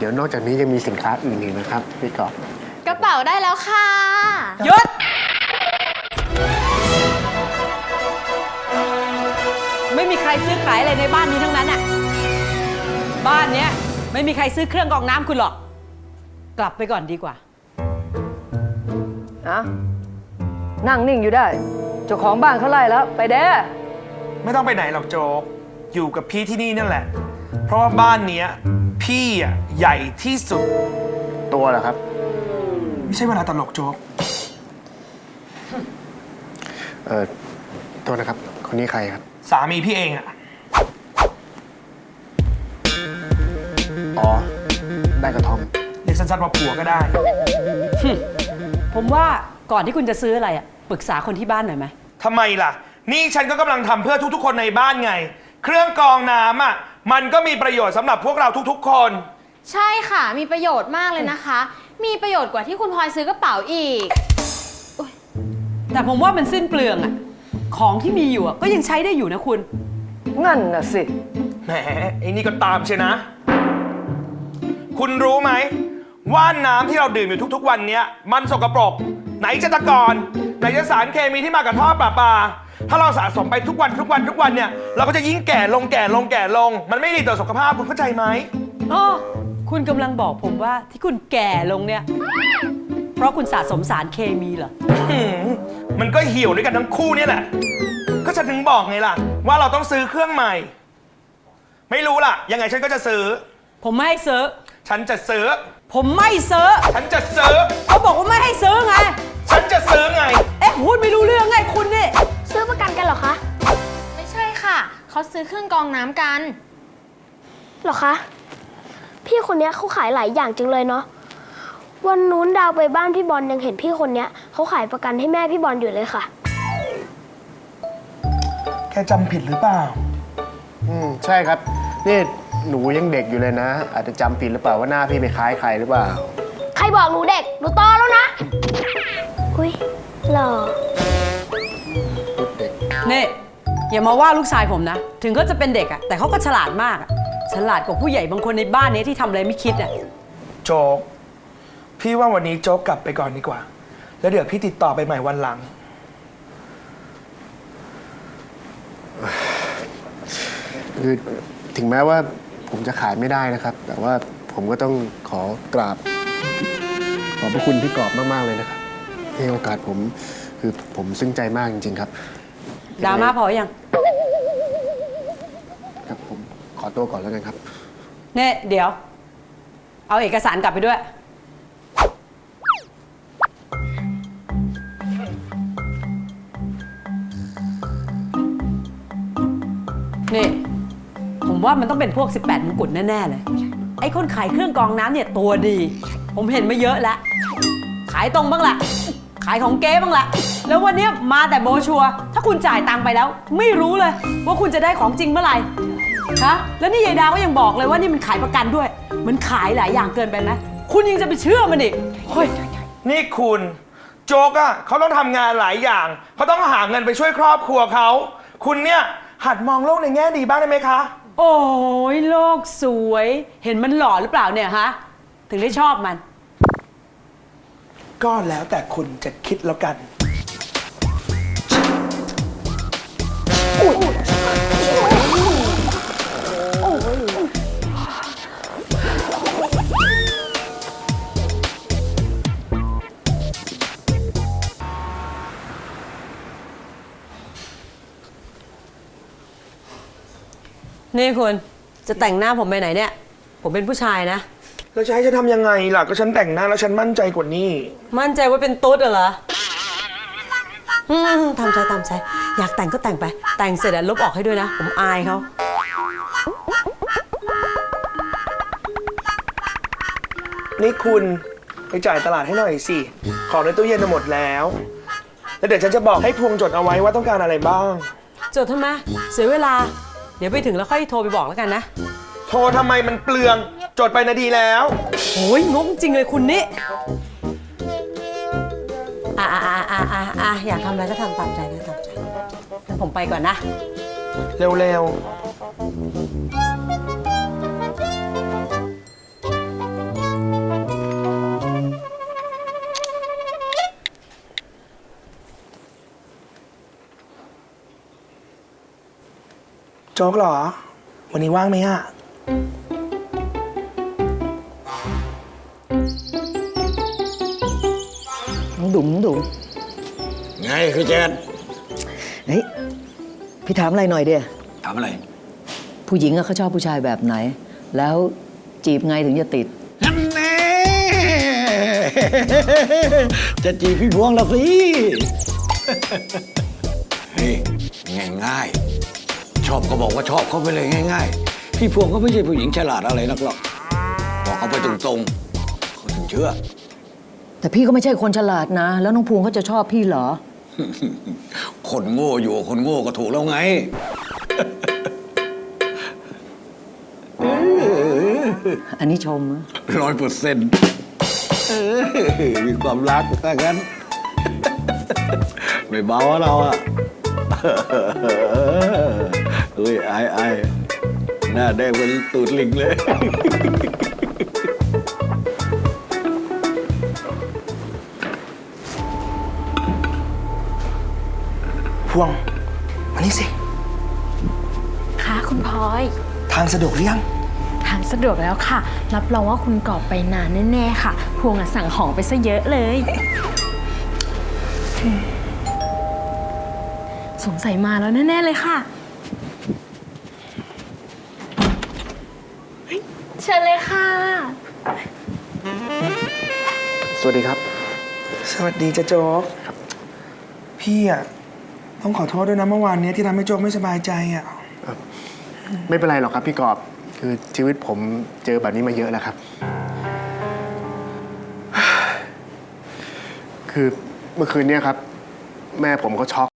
ดี๋ยวนอกจากนี้ยังมีสินค้าอื่นอีกนะครับพี่กอบกระเป๋าได้แล้วค่ะหยุดไม่มีใครซื้อขายอะไรในบ้านนี้ทั้งนั้นอะบ้านเนี้ยไม่มีใครซื้อเครื่องกรองน้ำคุณหรอกกลับไปก่อนดีกว่าอะนั่งนิ่งอยู่ได้เจ้าของบ้านเขาไล่แล้วไปเด้อไม่ต้องไปไหนหรอกโจ๊กอยู่กับพี่ที่นี่นั่นแหละเพราะว่าบ้านเนี้ยพี่อ่ะใหญ่ที่สุดตัวเหรอครับไม่ใช่เวลาตลกโจ๊กโทษนะครับคนนี้ใครครับสามีพี่เองอ่ะอ๋อได้กระท่อมเรียกสั้นๆว่าผัวก็ได้ผมว่าก่อนที่คุณจะซื้ออะไรอ่ะปรึกษาคนที่บ้านหน่อยไหมทำไมล่ะนี่ฉันก็กำลังทำเพื่อทุกๆคนในบ้านไงเครื่องกรองน้ำอ่ะมันก็มีประโยชน์สำหรับพวกเราทุกๆคนใช่ค่ะมีประโยชน์มากเลยนะคะมีประโยชน์กว่าที่คุณพลอยซื้อกระเป๋าอีกแต่ผมว่ามันสิ้นเปลืองอ่ะของที่มีอยู่ก็ยังใช้ได้อยู่นะคุณงั้นน่ะสิแหมไอ้นี่ก็ตามใช่นะคุณรู้ไหมว่าน้ำที่เราดื่มอยู่ทุกๆวันนี้มันสกปรกไหนจะตะกอนไหนจะสารเคมีที่มากับท่อประปาถ้าเราสะสมไปทุกวันเนี่ยเราก็จะยิ่งแก่ลงมันไม่ดีต่อสุขภาพคุณเข้าใจไหมอ๋อคุณกำลังบอกผมว่าที่คุณแก่ลงเนี่ยเพราะคุณสะสมสารเคมีเหรอมันก็เหี่ยวด้วยกันทั้งคู่เนี่ยแหละก็ฉันถึงบอกไงล่ะว่าเราต้องซื้อเครื่องใหม่ไม่รู้ล่ะยังไงฉันก็จะซื้อผมไม่ให้ซื้อฉันจะซื้อผมไม่ซื้อฉันจะซื้อเขาบอกว่าไม่ให้ซื้อไงฉันจะซื้อไงพูดไม่รู้เรื่องไงคุณนี่ซื้อประกันกันเหรอคะไม่ใช่ค่ะเขาซื้อเครื่องกรองน้ำกันเหรอคะพี่คนนี้เขาขายหลายอย่างจังเลยเนาะวันนู้นดาวไปบ้านพี่บอลยังเห็นพี่คนนี้เขาขายประกันให้แม่พี่บอลอยู่เลยค่ะแกจำผิดหรือเปล่าใช่ครับนี่หนูยังเด็กอยู่เลยนะอาจจะจำผิดหรือเปล่าว่าหน้าพี่ไปคล้ายใครหรือเปล่าใครบอกหนูเด็กหนูโตแล้วนะอุ้ยหล่อนี่อย่ามาว่าลูกชายผมนะถึงก็จะเป็นเด็กอะแต่เขาก็ฉลาดมากอะฉลาดกว่าผู้ใหญ่บางคนในบ้านนี้ที่ทำอะไรไม่คิดอะโจ๊กพี่ว่าวันนี้โจ๊กกลับไปก่อนดีกว่าแล้วเดี๋ยวพี่ติดต่อไปใหม่วันหลังคือถึงแม้ว่าผมจะขายไม่ได้นะครับแต่ว่าผมก็ต้องขอกราบขอบพระคุณพี่กอบมากๆเลยนะครับให้โอกาสผมคือผมซึ้งใจมากจริงๆครับดราม่าพอยังครับผมขอตัวก่อนแล้วกันครับเนี่ยเดี๋ยวเอาเอกสารกลับไปด้วยนี่ผมว่ามันต้องเป็นพวก18มงกุฎแน่ๆเลยไอ้คนขายเครื่องกรองน้ำเนี่ยตัวดีผมเห็นมาเยอะแล้วขายตรงบ้างละขายของเก๊บ้างละแล้ววันนี้มาแต่โบชัวถ้าคุณจ่ายตังค์ไปแล้วไม่รู้เลยว่าคุณจะได้ของจริงเมื่อไหร่ฮะแล้วนี่ยายดาก็ยังบอกเลยว่านี่มันขายประกันด้วยมันขายหลายอย่างเกินไปไหมคุณยังจะไปเชื่อมันอีกเฮ้ยนี่คุณโจ๊กอะเขาต้องทำงานหลายอย่างเขาต้องหาเงินไปช่วยครอบครัวเขาคุณเนี่ยหัดมองโลกในแง่ดีบ้างได้ไหมคะโอ้ยโลกสวยเห็นมันหล่อหรือเปล่าเนี่ยฮะถึงได้ชอบมันก็แล้วแต่คุณจะคิดแล้วกันนี่คุณจะแต่งหน้าผมไปไหนเนี่ยผมเป็นผู้ชายนะแล้วจะให้ฉันทำยังไงล่ะก็ฉันแต่งหน้าแล้วฉันมั่นใจกว่านี้มั่นใจว่าเป็นตุ๊ดเหรอทำใจตามใจอยากแต่งก็แต่งไปแต่งเสร็จแล้วลบออกให้ด้วยนะผมอายเขานี่คุณไปจ่ายตลาดให้หน่อยสิของในตู้เย็นหมดแล้วแล้วเดี๋ยวฉันจะบอกให้พวงจดเอาไว้ว่าต้องการอะไรบ้างจดทำไมเสียเวลาเดี๋ยวไปถึงแล้วค่อยโทรไปบอกแล้วกันนะโทรทำไมมันเปลืองจดไปนาทีแล้วโอ้ยงงจริงเลยคุณนี่อยากทำอะไรก็ทำตามใจนะตามใจงั้นผมไปก่อนนะเร็วๆจ๊กเหรอ วันนี้ว่างไหมอะน้องดุ๋มน้องดุ๋มไงคือเจนเฮ้ย พี่ถามอะไรหน่อยเดียถามอะไรผู้หญิงอะเขาชอบผู้ชายแบบไหน แล้วจีบไงถึงจะติดนั่นแน่ จะจีบพี่พวงแล้วสิ นี่ง่ายๆ ชอบก็บอกว่าชอบเขาไปเลยง่ายๆ พี่พวงก็ไม่ใช่ผู้หญิงฉลาดอะไรนักหรอก บอกเขาไปตรงๆเขาถึงเชื่อแต่พี่ก็ไม่ใช่คนฉลาดนะ แล้วน้องภูมิเขาจะชอบพี่เหรอคนโง่อยู่กับคนโง่ก็ถูกแล้วไงอันนี้ชมนะ 100%มีความรักถ้างั้น ไม่เบาอะเราอะเฮ้ยไอ้หน้าแดงเป็นตูดลิงเลยพวงมานี่สิค่ะคุณพลอยทางสะดวกหรือยังทางสะดวกแล้วค่ะ รับรองว่าคุณกอบไปนานแน่ๆค่ะ พวงอะสั่งของไปซะเยอะเลย สงสัยมาแล้วแน่ๆเลยค่ะ เชิญเลยค่ะสวัสดีครับสวัสดีจ้ะโจ๊กพี่อะต้องขอโทษด้วยนะเมื่อวานเนี้ยที่ทำให้โจ๊กไม่สบายใจอะไม่เป็นไรหรอกครับพี่กอบ คือชีวิตผมเจอแบบนี้มาเยอะแล้วครับ คือเมื่อคืนเนี้ยครับ แม่ผมก็ช็อก